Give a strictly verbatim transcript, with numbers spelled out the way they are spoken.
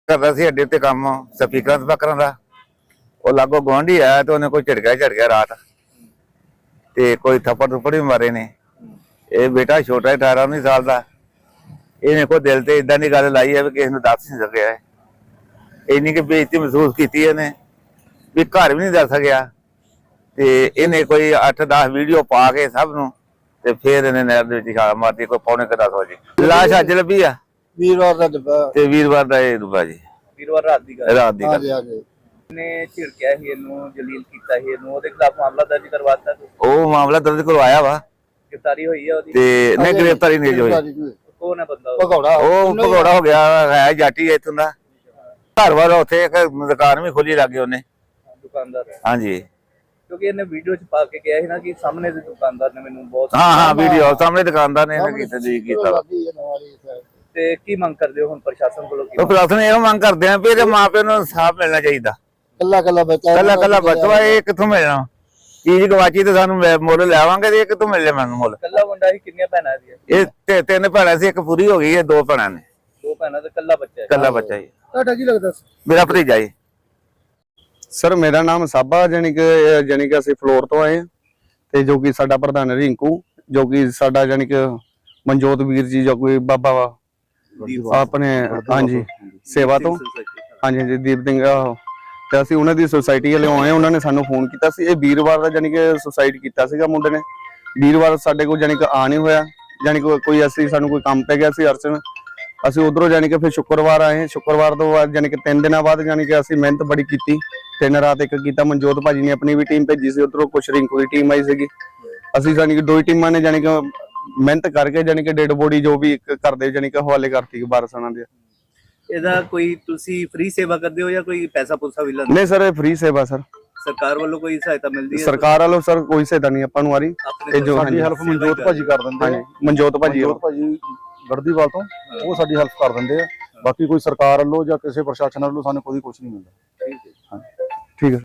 ਕਰਦਾ ਸੀ ਅੱਡੇ ਤੇ ਕੰਮ ਸਪੀਕਰਾਂ ਸਪਾਕਰਾਂ ਦਾ। ਉਹ ਲਾਗੋ ਗੁਆਂਢੀ ਆਇਆ ਤੇ ਉਹਨੇ ਕੋਈ ਝਟਕਿਆ ਝਟਕਿਆ ਰਾਤ ਤੇ ਕੋਈ ਥੱਪੜ ਥੁੱਪੜ ਵੀ ਮਾਰੇ ਨੇ। ਇਹ ਬੇਟਾ ਛੋਟਾ ਹੈ ਅਠਾਰਾਂ ਉੱਨੀ ਸਾਲ ਦਾ। ਇਹਨੇ ਕੋਈ ਦਿਲ ਤੇ ਇਦਾਂ ਦੀ ਗੱਲ ਲਾਈ ਹੈ ਵੀ ਕਿਸੇ ਨੂੰ ਦੱਸ ਨਹੀਂ ਸਕਿਆ ਹੈ। ਇੰਨੀ ਕਿ ਬੇਇੱਜ਼ਤੀ ਮਹਿਸੂਸ ਕੀਤੀ ਇਹਨੇ ਵੀ ਘਰ ਵੀ ਨਹੀਂ ਦੱਸ ਸਕਿਆ। ਤੇ ਇਹਨੇ ਕੋਈ ਅੱਠ ਦਸ ਵੀਡੀਓ ਪਾ ਕੇ ਸਭ ਨੂੰ ਤੇ ਫਿਰ ਇਹਨੇ ਨਹਿਰ ਦੇ ਵਿੱਚ ਛਾਲ ਮਾਰਤੀ ਕੋਈ ਪੌਣੇ ਕੁ ਦਸ ਵਜੇ। ਲਾਸ਼ ਅੱਜ ਲੱਭੀ ਆ ਵੀਰਵਾਰ ਦਾ ਡੱਬਾ ਤੇ ਵੀਰਵਾਰ ਦਾ ਇਹ ਡੁੱਬਾ ਜੀ। ਵੀਰਵਾਰ ਰਾਤ ਦੀ ਗੱਲ ਰਾਤ ਦੀ ਗੱਲ। ਨੇ ਝਿੜਕਿਆ ਸੀ ਇਹਨੂੰ, ਜਲੀਲ ਕੀਤਾ ਸੀ ਇਹਨੂੰ, ਉਹਦੇ ਖਿਲਾਫ ਮਾਮਲਾ ਦਰਜ ਕਰਵਾਤਾ। ਉਹ ਮਾਮਲਾ ਦਰਜ ਕਰਵਾਇਆ ਵਾ ਗ੍ਰਿਫਤਾਰੀ ਹੋਈ ਹੈ ਉਹਦੀ ਤੇ ਨਹੀਂ ਗ੍ਰਿਫਤਾਰੀ ਨਹੀਂ ਹੋਈ। ਕੌਣ ਹੈ ਬੰਦਾ? ਭਗੌੜਾ ਉਹ ਭਗੌੜਾ ਹੋ ਗਿਆ ਹੈ ਜਾਟੀ ਇੱਥੋਂ ਦਾ। ਘਰ ਵਾਰ ਉੱਥੇ ਇੱਕ ਦੁਕਾਨ ਵੀ ਖੋਲੀ ਲੱਗੇ ਉਹਨੇ ਦੁਕਾਨਦਾਰ। ਹਾਂਜੀ ਕਿਉਂਕਿ ਇਹਨੇ ਵੀਡੀਓ ਚ ਪਾ ਕੇ ਕਿਹਾ ਸੀ ਨਾ ਕਿ ਸਾਹਮਣੇ ਦੇ ਦੁਕਾਨਦਾਰ ਨੇ ਮੈਨੂੰ ਬਹੁਤ ਹਾਂ ਹਾਂ ਵੀਡੀਓ ਸਾਹਮਣੇ ਦੁਕਾਨਦਾਰ ਨੇ ਇਹਨੇ ਕੀਤਾ ਜੀ ਕੀਤਾ। ਤੇ ਕੀ ਮੰਗ ਕਰਦੇ ਹੋ ਹੁਣ ਪ੍ਰਸ਼ਾਸਨ ਕੋਲੋਂ? ਉਹ ਪ੍ਰਸ਼ਾਸਨ ਇਹੋ ਮੰਗ ਕਰਦੇ ਆ ਵੀ ਇਹਦੇ ਮਾਪਿਆਂ ਨੂੰ ਇਨਸਾਫ ਮਿਲਣਾ ਚਾਹੀਦਾ। ਕੱਲਾ ਕੱਲਾ ਬੱਚਾ ਕੱਲਾ ਕੱਲਾ ਬੱਚਾ ਇਹ ਕਿੱਥੋਂ ਮਿਲਣਾ? ਚੀਜ਼ ਗਵਾਚੀ ਤੇ ਸਾਨੂੰ ਮੁੱਲ ਲੈਵਾਂਗੇ ਤੇ ਇਹ ਕਿੱਥੋਂ ਮਿਲ ਜਾ ਮੈਨੂੰ ਮੁੱਲ? ਕੱਲਾ ਮੁੰਡਾ ਸੀ? ਕਿੰਨੀਆਂ ਭੈਣਾਂ ਇਹਦੀਆਂ? ਇਹ ਤੇ ਤਿੰਨ ਭੈਣਾਂ ਸੀ, ਇੱਕ ਪੂਰੀ ਹੋ ਗਈ ਹੈ, ਦੋ ਭੈਣਾਂ ਨੇ। ਦੋ ਭੈਣਾਂ ਤੇ ਕੱਲਾ ਬੱਚਾ ਹੈ? ਕੱਲਾ ਬੱਚਾ ਜੀ। ਤੁਹਾਡਾ ਕੀ ਲੱਗਦਾ? ਮੇਰਾ ਭਤੀਜਾ ਜੀ। ਸਰ ਮੇਰਾ ਨਾਮ ਸਾਬਾ, ਜਾਨੀ ਕਿ ਜਾਨੀ ਕਿ ਅਸੀਂ ਫਲੋਰ ਤੋਂ ਆਏ ਹਾਂ ਤੇ ਜੋ ਕਿ ਸਾਡਾ ਪ੍ਰਧਾਨ ਰਿੰਕੂ, ਜੋ ਕਿ ਸਾਡਾ ਜਾਨੀ ਕਿ ਮਨਜੋਤ ਵੀਰ ਜੀ ਜੋ ਕੋਈ ਬਾਬਾ ਵਾ ਆਪਣੇ ਹਾਂਜੀ ਸੇਵਾ ਤੋਂ ਹਾਂਜੀ ਹਾਂਜੀ ਦੀਪ ਸਿੰਘ ਤੇ ਅਸੀਂ ਉਹਨਾਂ ਦੀ ਸੁਸਾਇਟੀ ਵਾਲੇ ਆਏ। ਉਹਨਾਂ ਨੇ ਸਾਨੂੰ ਫੋਨ ਕੀਤਾ ਸੀ। ਇਹ ਵੀਰਵਾਰ ਦਾ ਜਾਨੀ ਕਿ ਸੁਸਾਇਡ ਕੀਤਾ ਸੀਗਾ ਮੁੰਡੇ ਨੇ। ਵੀਰਵਾਰ ਸਾਡੇ ਕੋਲ ਜਾਨੀ ਕਿ ਆ ਨਹੀਂ ਹੋਇਆ, ਜਾਨੀ ਕਿ ਕੋਈ ਅਸੀਂ ਸਾਨੂੰ ਕੋਈ ਕੰਮ ਪੈ ਗਿਆ ਸੀ ਅਰਚਨ। ਅਸੀਂ ਉਧਰੋਂ ਜਾਨੀ ਕਿ ਫਿਰ ਸ਼ੁੱਕਰਵਾਰ ਆਏ। ਸ਼ੁੱਕਰਵਾਰ ਤੋਂ ਬਾਅਦ ਜਾਨੀ ਕਿ ਤਿੰਨ ਦਿਨਾਂ ਬਾਅਦ ਜਾਨੀ ਕਿ ਅਸੀਂ ਮਿਹਨਤ ਬੜੀ ਕੀਤੀ। ਤਿੰਨ ਰਾਤ ਇੱਕ ਕੀਤਾ। ਮਨਜੋਤ ਭਾਜੀ ਨੇ ਆਪਣੀ ਵੀ ਟੀਮ ਭੇਜੀ ਸੀ, ਉਧਰੋਂ ਕੁਛ ਰਿੰਕੂ ਦੀ ਟੀਮ ਆਈ ਸੀਗੀ। ਅਸੀਂ ਜਾਨੀ ਕਿ ਦੋ ਹੀ ਟੀਮਾਂ ਨੇ ਜਾਨੀ ਕਿ ਮਿਹਨਤ ਕਰਕੇ ਜਾਨੀ ਕਿ ਡੈਡ ਬੋਡੀ ਜੋ ਵੀ ਕਰਦੇ ਜਾਨੀ ਕਿ ਹਵਾਲੇ ਕਰਤੀ ਵਾਰਸਾਂ ਦੇ। ਇਹਦਾ ਕੋਈ ਤੁਸੀਂ ਫ੍ਰੀ ਸੇਵਾ ਕਰਦੇ ਹੋ ਜਾਂ ਕੋਈ ਪੈਸਾ ਪੂਸਾ ਵੀ ਲੈਂਦੇ? ਨਹੀਂ ਸਰ ਇਹ ਫ੍ਰੀ ਸੇਵਾ ਸਰ। ਸਰਕਾਰ ਵੱਲੋਂ ਕੋਈ ਸਹਾਇਤਾ ਮਿਲਦੀ ਹੈ? ਸਰਕਾਰ ਵੱਲੋਂ ਸਰ ਕੋਈ ਸਹਾਇਤਾ ਨਹੀਂ ਆਪਾਂ ਨੂੰ ਆ ਰਹੀ। ਤੇ ਜੋ ਸਾਡੀ ਹੈਲਪ ਮਨਜੋਤ ਭਾਜੀ ਕਰ ਦਿੰਦੇ ਆ। ਮਨਜੋਤ ਭਾਜੀ ਮਨਜੋਤ ਭਾਜੀ ਗੜਦੀਵਾਲ ਤੋਂ ਉਹ ਸਾਡੀ ਹੈਲਪ ਕਰ ਦਿੰਦੇ ਆ। ਬਾਕੀ ਕੋਈ ਸਰਕਾਰ ਵੱਲੋਂ ਜਾਂ ਕਿਸੇ ਪ੍ਰਸ਼ਾਸਨ ਵੱਲੋਂ ਸਾਨੂੰ ਕੋਈ ਕੁਝ ਨਹੀਂ ਮਿਲਦਾ। ਠੀਕ ਹੈ। ਠੀਕ ਹੈ।